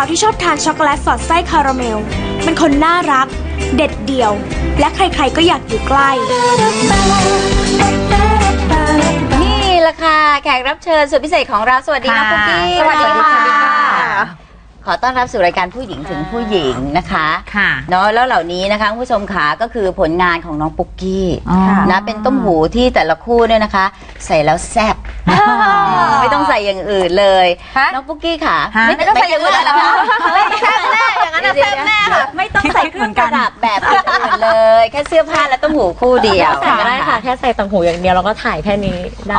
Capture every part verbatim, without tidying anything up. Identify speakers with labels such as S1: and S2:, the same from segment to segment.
S1: ที่ชอบทานช็อกโกแลตสอดไส้คาราเมลเป็นคนน่ารักเด็ดเดี่ยวและใครๆก็อยากอยู่ใกล้
S2: นี่แหละค่ะแขกรับเชิญสุดพิเศษของเราสวัสดีน้องปุ๊กกี้
S3: สวัสดีค่ะ
S2: ขอต้อนรับสู่รายการผู้หญิงถึงผู้หญิงนะคะ
S3: ค่ะ
S2: เนาะแล้วเหล่านี้นะคะผู้ชมขาก็คือผลงานของน้องปุ๊กกี้นะเป็นต้มหูที่แต่ละคู่เนี่ยนะคะใส่แล้วแซ่บไม่ต้องใส่อย่างอื่นเลยน้องปุ๊กกี้ค่ะ
S3: ไม่ต้องใส่อย่างอื่นแล้วค่ะแซ่บแน่อย่างนั้นแซ่บแน่ค่ะ
S2: ไม่ต้องใส่เครื่องประดับแบบอื่นเลยแค่เสื้อผ้าและต้มหูคู่เดียว
S4: ก็ได้ค่ะแค่ใส่ต่างหูอย่างเดียวเราก็ถ่ายแค่นี้ได้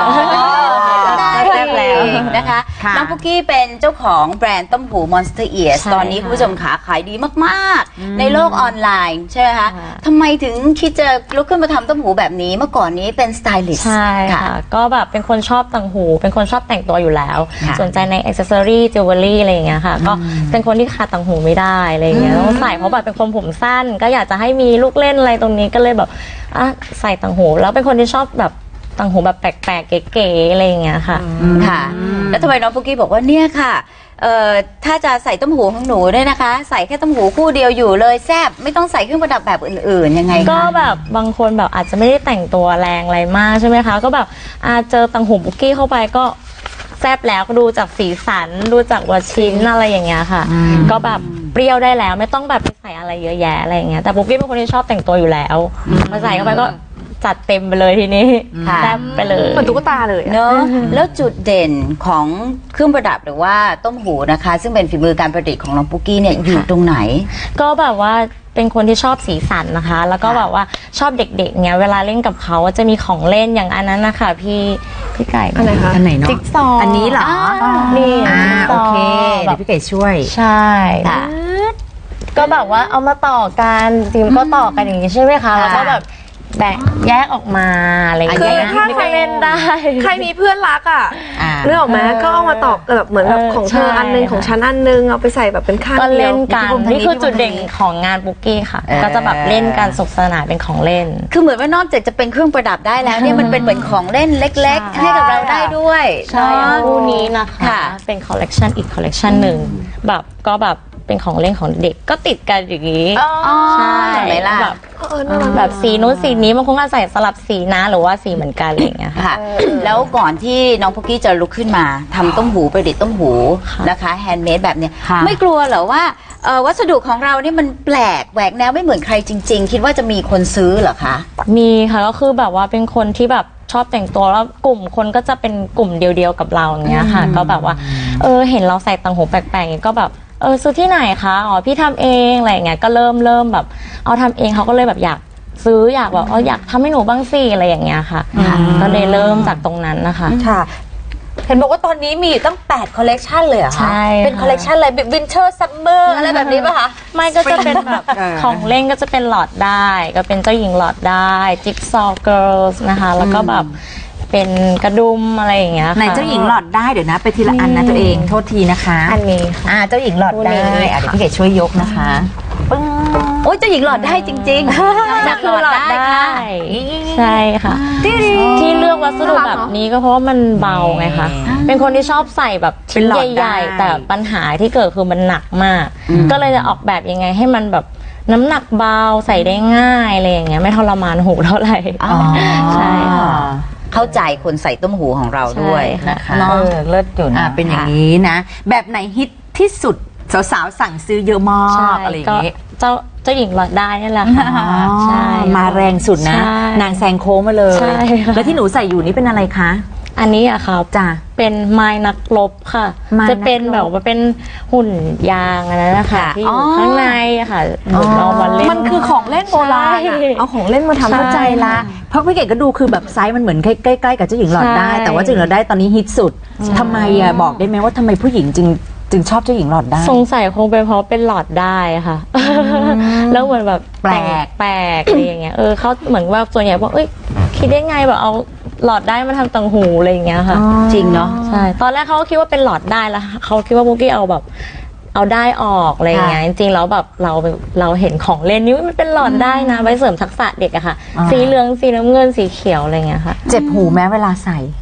S2: ได้แล้วนะคะน้องปุ๊กกี้เป็นเจ้าของแบรนด์ต้มหูMonster Ears ตอนนี้คุณผู้ชมขาขายดีมากๆในโลกออนไลน์ใช่ไหมคะทำไมถึงคิดจะลุกขึ้นมาทำต้มหูแบบนี้เมื่อก่อนนี้เป็นสไตลิสต์
S4: ใช่ค่ะก็แบบเป็นคนชอบต่างหูเป็นคนชอบแต่งตัวอยู่แล้วสนใจในอ็อกเซสซอรี่จิวเวลรี่อะไรอย่างเงี้ยค่ะก็เป็นคนที่ขาดต่างหูไม่ได้อะไรอย่างเงี้ยต้องใส่เพราะแบบเป็นคนผมสั้นก็อยากจะให้มีลูกเล่นอะไรตรงนี้ก็เลยแบบอ่ะใส่ต่างหูแล้วเป็นคนที่ชอบแบบต่างหูแบบแปลกๆเก๋ๆอะไรอย่างเงี้ยค่ะ
S2: ค่ะแล้วทำไมน้องปุ๊กกี้บอกว่าเนี่ยค่ะเอ่อถ้าจะใส่ต้มหูของหนูเนี่ยนะคะใส่แค่ต้มหูคู่เดียวอยู่เลยแซ่บไม่ต้องใส่เครื่องประดับแบบอื่นๆยังไง
S4: ก็แบบบางคนแบบอาจจะไม่ได้แต่งตัวแรงอะไรมากใช่ไหมคะก็แบบอาเจอต่างหูปุ๊กกี้เข้าไปก็แซ่บแล้วก็ดูจากสีสันดูจากวัดชิ้นอะไรอย่างเงี้ยค่ะก็แบบเปรี้ยวได้แล้วไม่ต้องแบบไปใส่อะไรเยอะแยะอะไรอย่างเงี้ยแต่ปุ๊กกี้เป็นคนที่ชอบแต่งตัวอยู่แล้วมาใส่เข้าไปก็จัดเต็มไปเลยทีนี้แซ่บไปเลย
S3: เหมือนตุ๊กตาเลย
S2: เนอะแล้วจุดเด่นของเครื่องประดับหรือว่าต้มหูนะคะซึ่งเป็นฝีมือการประดิษฐ์ของน้องปุ๊กกี้เนี่ยอยู่ตรงไหน
S4: ก็แบบว่าเป็นคนที่ชอบสีสันนะคะแล้วก็แบบว่าชอบเด็กๆเงี้ยเวลาเล่นกับเขาจะมีของเล่นอย่างอันนั้นนะคะพี่พี่ไก่
S3: อะไรคะ
S5: อันไหนเนาะ
S4: จิ๊กซอว์
S5: อันนี้เหรอ
S4: นี่
S5: อ่าโอเคเดี๋ยวพี่ไก่ช่วย
S4: ใช่ก็แบบว่าเอามาต่อกันจริงก็ต่อกันอย่างนี้ใช่ไหมคะแล้วก็แบบแบ่งแยกออกมาอะไรอย่างเงี้ย
S3: ถ้าใครเล่นได้ใครมีเพื่อนรักอ่ะเรื่องออกมาก็เอามาต่อแบบเหมือนแบบของเธออันนึงของฉันอันนึงเอาไปใส่แบบเป็นข้าง
S4: เดียวก็เล่นกันนี่คือจุดเด่นของงานปุ๊กกี้ค่ะก็จะแบบเล่นกันสนุกสนานเป็นของเล่น
S2: คือเหมือนว่านอกจากจะเป็นเครื่องประดับได้แล้วเนี่ยมันเป็นเหมือนของเล่นเล็กๆให้กับเราได้ด้วย
S4: ใช่คู่นี้นะคะเป็นคอลเลกชันอีกคอลเลกชันหนึ่งแบบก็แบบเป็นของเล่นของเด็กก็ติดกันอย่างนี้
S2: ใช่ไหมล่ะ
S4: แบบแบบสีนู้นสีนี้บางคนก็ใส่สลับสีนะหรือว่าสีเหมือนกันอะไรอย่างเงี้ย
S2: ค่ะแล้วก่อนที่น้องปุ๊กกี้จะลุกขึ้นมาทำต้มหูประดิษฐ์ต้มหูนะคะแฮนด์เมดแบบเนี้ยไม่กลัวเหรอว่าวัสดุของเรานี่มันแปลกแหวกแนวไม่เหมือนใครจริงๆคิดว่าจะมีคนซื้อเหรอคะ
S4: มีค่ะก็คือแบบว่าเป็นคนที่แบบชอบแต่งตัวแล้วกลุ่มคนก็จะเป็นกลุ่มเดียวๆกับเราอย่างเงี้ยค่ะก็แบบว่าเออเห็นเราใส่ต่างหูแปลกๆอย่างเงี้ยก็แบบเออซื้อที่ไหนคะอ๋อพี่ทำเองอะไรเงี้ยก็เริ่มเริ่มแบบเอาทำเองเขาก็เลยแบบอยากซื้ออยากแบบเอออยากทำให้หนูบ้างสิอะไรอย่างเงี้ยค่ะก็เลยเริ่มจากตรงนั้นนะคะ
S3: ค่ะเห็นบอกว่าตอนนี้มีอยู่ตั้งแปดคอลเลกชันเลยเหรอคะ
S4: ใช่
S3: เป็นคอลเลกชันอะไรวินเทอร์ซัมเมอร์อะไรแบบนี้ป่ะคะ
S4: ไม่ก็จะเป็นแบบของเล่นก็จะเป็นหลอดได้ก็เป็นเจ้าหญิงหลอดได้จิ๊กซอว์เกิร์ลส์นะคะแล้วก็แบบเป็นกระดุมอะไรอย่างเงี้ยค่ะ
S5: ในเจ้าหญิงหลอดได้เดี๋ยวนะไปทีละอันนะตัวเองโทษทีนะคะ
S4: อันนี้
S5: อ่าเจ้าหญิงหลอดได้อ่ะเดี๋ยวพี่เกดช่วยยกนะคะ
S2: ปึ้งโอ้ยเจ้าหญิงหลอดได้จริงๆ
S4: จากหลอดได้ใช่ค่ะที่เลือกวัสดุแบบนี้ก็เพราะว่ามันเบาไงคะเป็นคนที่ชอบใส่แบบชิ้นใหญ่ๆแต่ปัญหาที่เกิดคือมันหนักมากก็เลยจะออกแบบยังไงให้มันแบบน้ำหนักเบาใส่ได้ง่ายอะไรอย่างเงี้ยไม่ทรมานหูเท่าไหร่ใช่ค่ะ
S2: เข้าใจคนใส่ต้มหูของเราด้วยนะคะ
S5: เออเลิศอยู่นะเป็นอย่างนี้นะแบบไหนฮิตที่สุดสาวๆสั่งซื้อเยอะมากอะไรอย่างเงี้ย
S4: เจ้าเจ้าหญิงหลอดได้นี่แหละค่ะ
S5: ใช่มาแรงสุดนะนางแซงโค้งมาเลยแล้วที่หนูใส่อยู่นี่เป็นอะไรคะ
S4: อันนี้อะค่ะ
S5: จ้ะ
S4: เป็นไม้นักรบค่ะจะเป็นแบบว่าเป็นหุ่นยางอันนั้นนะคะที่อยู่ข้างในอะค่ะเอามาเล่น
S3: มันคือของเล่นโบราณเอาของเล่นมาทำ
S5: เข้าใจละเพราะพี่เกดก็ดูคือแบบไซส์มันเหมือนใกล้ๆกับเจ้าหญิงหลอดได้แต่ว่าเจ้าหญิงหลอดได้ตอนนี้ฮิตสุดทำไมอะบอกได้ไหมว่าทำไมผู้หญิงจึงจึงชอบเจ้าหญิงหลอดได้
S4: สงสัยคงเป็นเพราะเป็นหลอดได้ค่ะแล้วเหมือนแบบ
S5: แปลก
S4: แปลกอะไรอย่างเงี้ยเออเขาเหมือนว่าส่วนใหญ่บอกเอ้ยคิดได้ไงแบบเอาหลอดได้มาทำต่างหูอะไรอย่างเงี้ยค่ะ
S2: จริงเนาะ
S4: ใช่ตอนแรกเขาคิดว่าเป็นหลอดได้แล้วเขาคิดว่าปุ๊กกี้เอาแบบเอาได้ออกอะไรอย่างเงี้ยจริงๆแล้วแบบเราเราเห็นของเล่นนี่มันเป็นหลอดได้นะไว้เสริมทักษะเด็กอะค่ะสีเหลืองสีน้ำเงินสีเขียวอะไรเงี้ยค่ะ
S5: เจ็บหูแม้เวลาใส่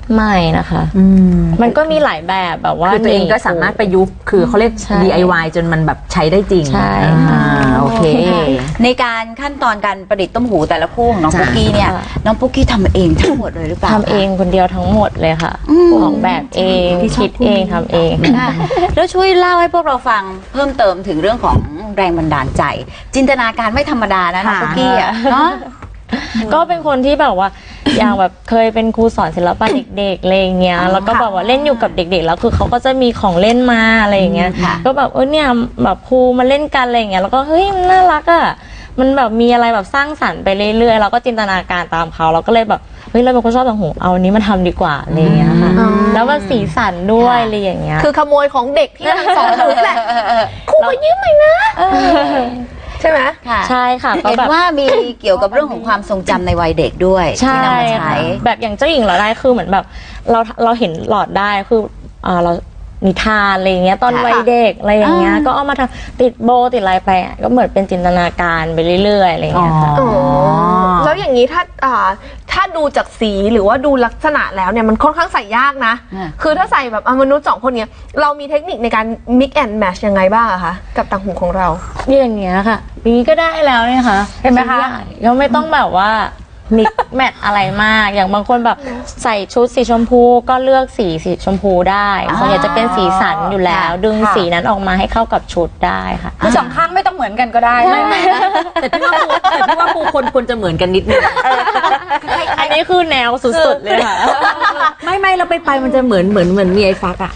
S4: ไม่นะคะ
S5: อืม
S4: มันก็มีหลายแบบแบบว่า
S5: คือตัวเองก็สามารถประยุกต์คือเขาเรียก
S4: ใช่
S5: ดี ไอ วาย จนมันแบบใช้ได้จริง
S4: ใช่
S5: อ่าโอเค
S2: ในการขั้นตอนการประดิษฐ์ต้มหูแต่ละคู่ของน้อง
S5: จ้ะ
S2: ปุ๊กกี้เนี่ย
S4: ค่ะ
S2: น้องปุ๊กกี้ทำเองทั้งหมดเลยหรือเปล่า
S4: ทำเองคนเดียวทั้งหมดเลยค่ะออกแบบเองคิดเองทำเอง
S2: ค่ะแล้วช่วยเล่าให้พวกเราฟังเพิ่มเติมถึงเรื่องของแรงบันดาลใจ จินตนาการไม่ธรรมดานะน้อง
S5: ค่ะ
S2: ปุ๊กกี้อ่ะเนาะ
S4: ก็เป็นคนที่แบบว่า อย่างแบบเคยเป็นครูสอนศิลปะเด็กๆอะไรอย่างเงี้ยแล้วก็แบบว่าเล่นอยู่กับเด็กๆแล้วคือเขาก็จะมีของเล่นมาอะไรอย่างเงี้ย
S2: ค่ะ
S4: ก็แบบเออเนี่ยแบบครูมาเล่นกันอะไรอย่างเงี้ยแล้วก็เฮ้ยมันน่ารักอ่ะมันแบบมีอะไรแบบสร้างสรรค์ไปเรื่อยๆเราก็จินตนาการตามเขาเราก็เลยแบบเฮ้ยเราเป็นคนชอบต่างหูเอาอันนี้มาทำดีกว่าอะไรอย่างเงี้ยค่ะแล้วมันสีสันด้วยอะไรอย่างเงี้ย
S3: คือขโมยของเด็กที่กำลังสอนอยู่แหละครูมายืมหน่อยนะใช่ไหม
S2: ค่ะ
S4: ใช่ค่ะก็
S2: เห็น
S4: แบบ
S2: ว่ามีเกี่ยวกับเรื่องของความทรงจำในวัยเด็กด้วย
S4: ใช่
S2: ที่นำมาใช้
S4: ค่ะแบบอย่างเจ้าหญิงหลอดได้คือเหมือนแบบเราเราเห็นหลอดได้คืออ่าเรานิทานอะไรอย่างเงี้ยตอน
S2: ค่ะ
S4: วัยเด็กอะไรอย่างเงี้ย
S2: อ่า
S4: ก็เอามาทำติดโบติดอะไรไปอ่ะก็เหมือนเป็นจินตนาการไปเรื่อยๆอะไรอย่างเงี้ยค่ะ
S3: อ๋อแล้วอย่างนี้ถ้าอ่าถ้าดูจากสีหรือว่าดูลักษณะแล้วเนี่ยมันค่อนข้างใส่ยากนะ
S2: อ่า
S3: คือถ้าใส่แบบอ่ะมนุษย์สองคนเนี้ยเรามีเทคนิคในการ mix and match ยังไงบ้างอะคะกับต่างหูของเรา
S4: อย่างเงี้ยค่ะอย่างนี้ก็ได้แล้วเนี่ยค่ะ
S3: เห็นไหมคะ
S4: ยังไม่ต้องแบบว่ามิกแมทอะไรมาก อย่างบางคนแบบใส่ชุดสีชมพูก็เลือกสีสีชมพูได้ส่วนใหญ่จะเป็นสีสันอยู่แล้ว ดึงสีนั้นออกมาให้เข้ากับชุดได้ค่ะ
S5: คือสองข้างไม่ต้องเหมือนกันก็ได้ไม่ไม่แต่พี่ว่าครูแต่พี่ว่าครูคนควรจะเหมือนกันนิดนึง
S4: อันนี้คือแนวสุดๆเลยค่ะ
S5: ไม่ไม่เราไปไปมันจะเหมือนเหมือนเหมือนมีไอ้ฟักอะ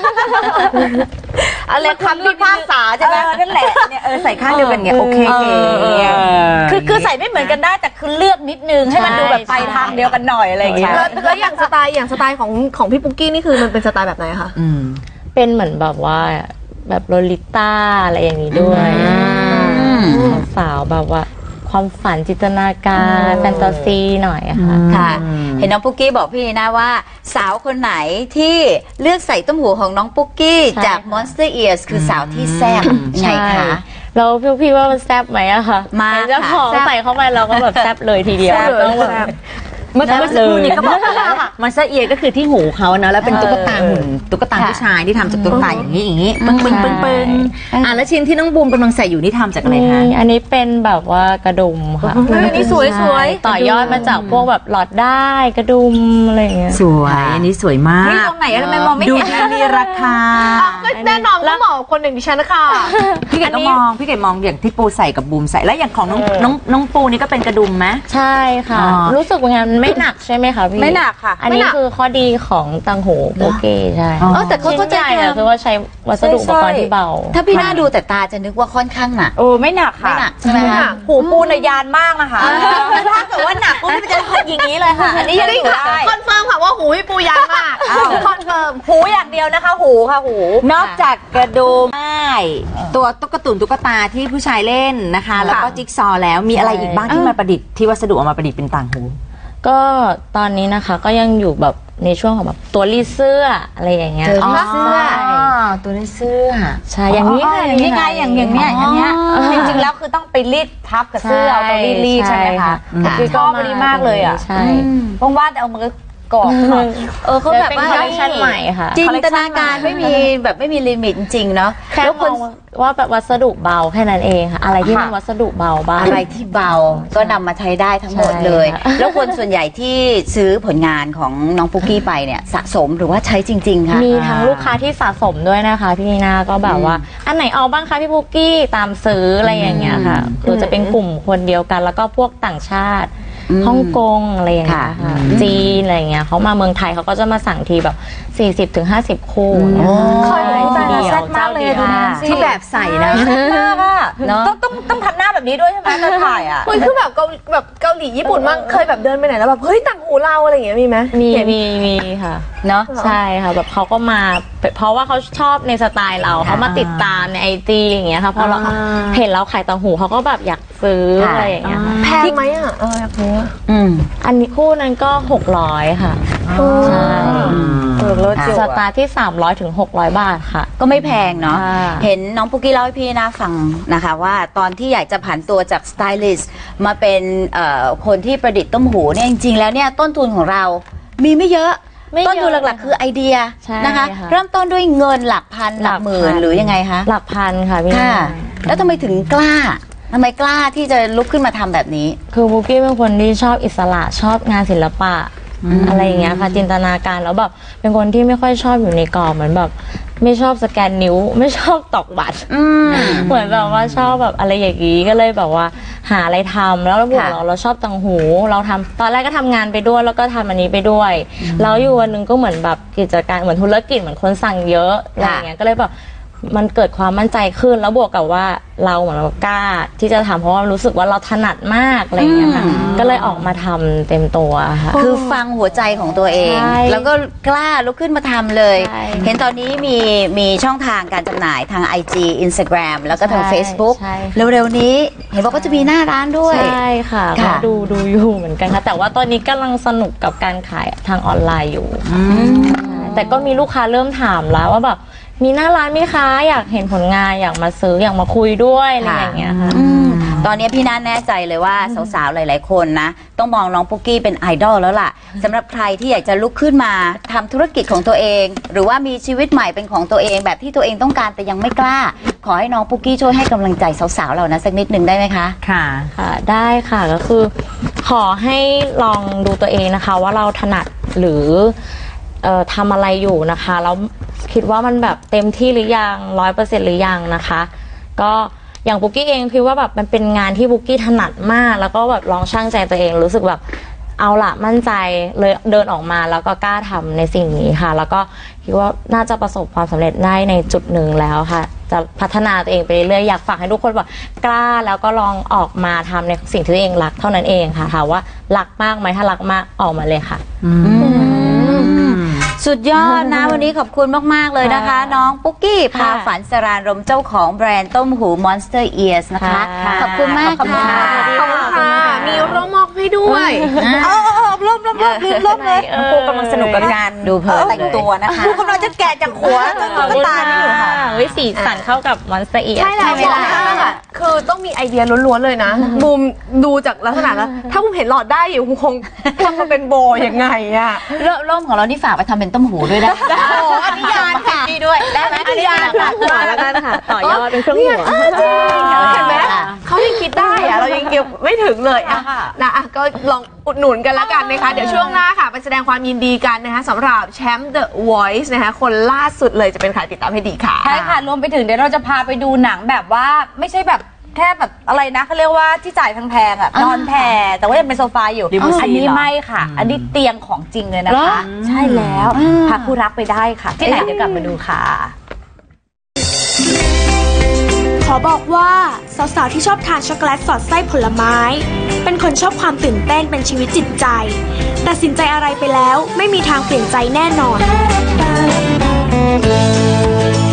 S3: อะไรคำพิพากษาใช่ไหม
S5: นั่นแหละเนี่ยเออใส่ข้างเดียวกันเนี่ยโอเคเก๋
S6: คือคือใส่ไม่เหมือนกันได้แต่คือเลือกนิดนึงให้มันดูแบบไปทางเดียวกันหน่อยอะไรอย่างเงี้ย
S3: แล้วแล้วอย่างสไตล์อย่างสไตล์ของของพี่ปุ๊กกี้นี่คือมันเป็นสไตล์แบบไหนคะ
S5: อืม
S4: เป็นเหมือนแบบว่าแบบโลลิต้าอะไรอย่างนี้ด้วยสาวๆแบบว่าความฝันจินตนาการแฟนตาซีหน่อยอะค่ะ
S2: ค่ะ เห็นน้องปุ๊กกี้บอกพี่นีนะว่า สาวคนไหนที่เลือกใส่ต้มหูของน้องปุ๊กกี้
S4: ใช่
S2: จาก Monster Ears คือสาวที่แซ่บไงคะ
S4: แล้วพี่พี่ว่ามันแซ่บไหมอะคะ
S2: มาก
S4: เห็นเจ้าของ
S2: ค่ะ
S4: ใส่เข้าไปเราก็แบบแซ่บเลยทีเดียว
S3: แซ่บเลย
S4: ต้องแบบ
S3: แซ่บ
S5: เมื่อเมื่อสักครู่นี้ก็บอกไปแล้วมันเสเอียก็คือที่หูเขาเนาะแล้วเป็นตุ๊กตาหุ่นตุ๊กตาผู้ชายที่ทำจากตุ๊กตาอย่างนี้อย่างนี้ปึ้งปึ้งปึ้งปึ้งอ่ะแล้วชิ้นที่น้องบูมกำลังใส่อยู่นี่ทำจากอะไรคะ
S4: นี่อันนี้เป็นแบบว่ากระดุมค่ะ
S3: เฮ้ยอันนี้สวยสวย
S4: ต่อยอดมาจากพวกแบบหลอดได้กระดุมอะไรอย่างเงี้ย
S5: สวยอันนี้สวยมาก
S6: นี่ตรงไหนอะทำไมมองไม่
S5: ดู
S6: เห็น
S5: มีราคา
S3: ก็แน่นอนก็เหมาะกับคนอย่างดิฉันนะคะ
S5: พี่เกดก็มองพี่เกดมองอย่างที่ปูใส่กับบูมใส่แล้วอย่างของน้องน้องน้องปูนี่ก็เป็นกระดุมไหม
S4: ใช่ค่ะ
S5: อ๋อ
S4: รู้สึกว่าไงมันไม่หนักใช่ไหมคะพี่
S6: ไม่หนักค่ะ
S4: อันนี้
S3: ไม่หนัก
S4: คือข้อดีของตังหูโอเคใช่
S5: อ๋อ
S2: เออแต่เขา
S4: ชิ้น
S2: ก็จะ
S4: ใหญ่อะคือว่าใช้วัสดุอุปกรณ์ที่เบา
S2: ถ้าพี่น่าดูแต่ตาจะนึกว่าค่อนข้างหนัก
S6: โอ้ไม่หนักค่ะ
S2: ไม่หนักใช่ไหมคะ
S6: หูปูนยานมากนะคะถ้าเกิดว่าหนักปุ๊บมันจะอย่างนี้เลยค่ะ อันนี้ยังอยู่ได้
S3: คอนเฟิร์มค่ะว่าหูพี่ปูยางมากคอนเฟิร์ม
S6: หูอย่างเดียวนะคะ หูค่ะหู
S5: นอกจากกระดุมได้ตัวตุ๊กตุนตุ๊กตาที่ผู้ชายเล่นนะคะ แล้วก็จิ๊กซอว์แล้วมีอะไรอีกบ้างที่มาประดิษฐ์ที่วัสดุเอามาประดิษฐ์เป็นต่างหู
S4: ก็ตอนนี้นะคะก็ยังอยู่แบบในช่วงของแบบตัวรีดเสื้ออะไรอย่างเงี้ย
S2: เจอรีดเสื้อ
S5: ตัวนี้เสื้อ
S4: ใช่อย่างนี้ค่ะ
S6: อย่างนี้ไงอย่างอย่างเนี้ยอย่างเนี้ยจริงๆแล้วคือต้องไปรีดทับกับเสื้อเอาตัวรีดรีดใช่ไหมคะ
S4: ใช่
S6: คือชอบอันนี้มากเลยอ่ะ
S4: ใช่
S6: ว่างๆเอามือกอดหน่อย
S2: เออเขาแบบ
S4: เป็น
S2: ว่า
S4: คอลเลคชันใหม่ค่ะ
S2: จินตนาการไม่มีแบบไม่มีลิมิตจริงๆเนาะ
S4: แค่
S2: แล้ว
S4: ม
S2: ค
S4: อน งว่าแบบวัสดุเบาแค่นั้นเองค่ะ อะไรที่มันวัสดุเบาบ้าง
S2: อะไรที่เบาก็นำมาใช้ได้ทั้งหมดเลย
S4: ใช่ค่ะ
S2: แล้วคนส่วนใหญ่ที่ซื้อผลงานของน้องปุ๊กกี้ไปเนี่ยสะสมหรือว่าใช้จริงๆคะ
S4: มีทั้งลูกค้าที่สะสมด้วยนะคะพี่นีนาก็แบบว่า อันไหนเอาบ้างคะพี่ปุกกี้ตามซื้ออะไรอย่างเงี้ยค่ะคือจะเป็นกลุ่มคนเดียวกัน แล้วก็พวกต่างชาติ
S2: อืม
S4: ฮ่องกงอะไรอย่างเงี้ย
S2: ค่ะ
S4: ค่ะจีนอะไรอย่างเงี้ยเขามาเมืองไทยเขาก็จะมาสั่งทีแบบ สี่สิบถึงห้าสิบ คู่เนี่ย
S6: เคยเห็น
S4: ทีเดียว
S6: แซ่บมากเลยอะดูนะ
S5: ที่แบบใส่นะ
S6: มากอะ
S2: เนอะ
S6: ต้องต้องต้องทำหน้าแบบนี้ด้วยใช่ไหมตอนถ่ายอ่ะ
S3: เฮ้ยคือแบบเกาแบบเกาหลีญี่ปุ่นมากเคยแบบเดินไปไหนแล้วแบบเฮ้ยต่างหูเราอะไรอย่างเงี้ยมีไหม
S4: มี
S3: เห็น
S4: มีมีค่ะ
S2: เนาะ
S4: ใช่ค่ะแบบเขาก็มาเพราะว่าเขาชอบในสไตล์เราเขามาติดตามในไอจีอย่างเงี้ยค่ะพอเรา
S3: อ่า
S4: เห็นเราขายต่างหูเขาก็แบบอยากซื้ออะไรอย่างเงี้ยค่ะ
S3: แพงไหมอ่ะเอออยากรู้อะ
S2: อืม
S4: อันนี้คู่นั้นก็หกร้อยค่ะใช่
S6: เออเลิศอยู่
S4: ส
S6: อะ
S4: ตาร์ทที่สามร้อยถึงหกร้อยบาทค่ะ
S2: ก็ไม่แพงเนาะ
S4: ค่ะ
S2: เห็นน้องปุ๊กกี้เล่าให้พี่นาฟังนะคะว่าตอนที่อยากจะผันตัวจากสไตลิสต์มาเป็นเอ่อคนที่ประดิษฐ์ต้มหูเนี่ยจริงๆแล้วเนี่ยต้นทุนของเรามีไม่เยอะ
S4: ไม่เยอะ
S2: ต้นทุนหลักๆคือไอเดีย
S4: ใช่
S2: นะคะ
S4: ค่ะ
S2: เริ่มต้นด้วยเงินหลักพันหลักหมื่นหรือยังไงคะ
S4: หลักพันค่ะพี่
S2: ค่ะ แล้วทำไมถึงกล้าทำไมกล้าที่จะลุกขึ้นมาทำแบบนี้
S4: คือบุ๊กกี้เป็นคนที่ชอบอิสระชอบงานศิลปะอะไรอย่างเงี้ยค่ะจินตนาการแล้วแบบเป็นคนที่ไม่ค่อยชอบอยู่ในกรอบเหมือนแบบไม่ชอบสแกนนิ้ว ไม่ชอบตอกบัตรเหมือนแบบว่าชอบแบบอะไรอย่างงี้ก็เลยแบบว่าหาอะไรทำแล้วเราบอกเราเราชอบตังหูเราทำตอนแรกก็ทำงานไปด้วยแล้วก็ทำอันนี้ไปด้วยแล้วอยู่วันหนึงก็เหมือนแบบกิจการเหมือนธุรกิจเหมือนคนสั่งเยอะอะไรอย่างเงี้ยก็เลยแบบมันเกิดความมั่นใจขึ้นแล้วบวกกับว่าเราเหมือนเรากล้าที่จะทำเพราะว่ารู้สึกว่าเราถนัดมากอะไรอย่างเงี้ยค่ะก็เลยออกมาทำเต็มตัวค่ะ
S2: คือฟังหัวใจของตัวเอง
S4: ใช่
S2: แล้วก็กล้าลุกขึ้นมาทำเลย
S4: ใช่
S2: เห็นตอนนี้มีมีช่องทางการจำหน่ายทาง ไอ จี Instagram แล้วก็ทาง
S4: ใช่
S2: Facebook
S4: ใช่
S2: เร็วๆนี้เห็นบอกว่าจะมีหน้าร้านด้วย
S4: ใช่ค่ะก็
S2: ค่ะ
S4: ดูดูอยู่เหมือนกันค่ะแต่ว่าตอนนี้กำลังสนุกกับการขายทางออนไลน์อยู่ใช่แต่ก็มีลูกค้าเริ่มถามแล้วว่าแบบมีหน้าร้านไหมคะอยากเห็นผลงานอยากมาซื้ออยากมาคุยด้วยอะไรอย่างเงี้ยค่ะ
S2: อืมตอนนี้พี่น่าแน่ใจเลยว่าสาวๆหลายๆคนนะต้องมองน้องปุ๊กกี้เป็นไอดอลแล้วล่ะสำหรับใครที่อยากจะลุกขึ้นมาทำธุรกิจของตัวเอง หรือว่ามีชีวิตใหม่เป็นของตัวเองแบบที่ตัวเองต้องการแต่ยังไม่กล้า ขอให้น้องปุ๊กกี้ช่วยให้กำลังใจสาวๆเรานะสักนิดหนึ่งได้ไหมคะ
S5: ค่ะ
S4: ค่ะได้ค่ะก็คือขอให้ลองดูตัวเองนะคะว่าเราถนัดหรือเอ่อทำอะไรอยู่นะคะแล้วคิดว่ามันแบบเต็มที่หรือยังร้อยเปอร์เซ็นต์หรือยังนะคะก็อย่างปุ๊กกี้เองคิดว่าแบบมันเป็นงานที่ปุ๊กกี้ถนัดมากแล้วก็แบบลองชั่งใจตัวเองรู้สึกแบบเอาละมั่นใจเลยเดินออกมาแล้วก็กล้าทำในสิ่งนี้ค่ะแล้วก็คิดว่าน่าจะประสบความสำเร็จได้ในจุดหนึ่งแล้วค่ะจะพัฒนาตัวเองไปเรื่อยๆอยากฝากให้ทุกคนแบบกล้าแล้วก็ลองออกมาทำในสิ่งที่ตัวเองรักเท่านั้นเองค่ะถามว่ารักมากไหมถ้ารักมากออกมาเลยค่ะ
S2: สุดยอดนะ วันนี้ขอบคุณมากๆเลยนะคะ น้องปุ๊กกี้พาฝันสรานรมเจ้าของแบรนด์ต้มหู Monster Ears นะคะ
S4: ค่ะ
S2: ขอบคุณมาก
S4: ขอบคุณ
S2: ค่ะ
S4: ค่ะ
S3: ขอบคุณค่ะ มีร่มมอกให้ด้วย
S6: เออเออเออร่มร่มร่มลืมร่มเลย
S4: เออ
S6: ปูกำลังสนุกกับการ
S2: ดูเพลิน
S6: แต่งตัวนะคะปูกำลังจะแกะจากหัวจน
S4: ขอบ
S6: ถึง
S4: คุณ
S6: ตานี่อยู่ค่ะ
S4: เฮ้ยสีสันเข้ากับมอนสเตอร์เอีย
S3: ใช่แล้ว
S2: ใช่ไหมล่ะ
S3: บอกว่าคือต้องมีไอเดียล้วนๆเลยนะบูมดูจากลักษณะแล้ว ถ้าบูมเห็นหลอดได้อยู่บูมคงทำมาเป็นโบยังไงอะ
S2: ร่มของเรานี่ฝากไปทำเป็นต้มหูด้วยนะ
S3: โอ้อันนี้ยานค่ะ
S2: นี่ด้วยได้ไหม
S3: อันนี้ยานค่ะ
S4: หัวแล้วกันค่ะต่อยอดเป็นเครื่องหัว
S3: เห็นไหมเขายังคิดได้อะเรายังเก็บไม่ถึงเลยอะนะอะก็ลองอุดหนุนกันแล้วกันนะคะ เดี๋ยวช่วงหน้าค่ะไปแสดงความยินดีกันนะคะสำหรับแชมป์ The Voice นะคะคนล่าสุดเลยจะเป็นใครติดตามให้ดีค่ะ
S6: ใช่ค่ะ รวมไปถึงเดี๋ยวเราจะพาไปดูหนังแบบว่าไม่ใช่แบบแค่แบบอะไรนะเขาเรียกว่าที่จ่ายแพงๆอ่ะนอนแผ่แต่ว่ายังเป็นโซฟาอยู่
S5: ลิมูซีน
S6: อันนี้
S5: เหรอ
S6: ไม่ค่ะ อันนี้เตียงของจริงเลยนะคะ ใช่แล้วพาคู่รักไปได้ค่ะ ที่ไหนเดี๋ยวกลับมาดูค่ะ
S1: ขอบอกว่าสาวๆที่ชอบทานช็อกโกแลตสอดไส้ผลไม้ เป็นคนชอบความตื่นเต้นเป็นชีวิตจิตใจตัดสินใจอะไรไปแล้วไม่มีทางเปลี่ยนใจแน่นอน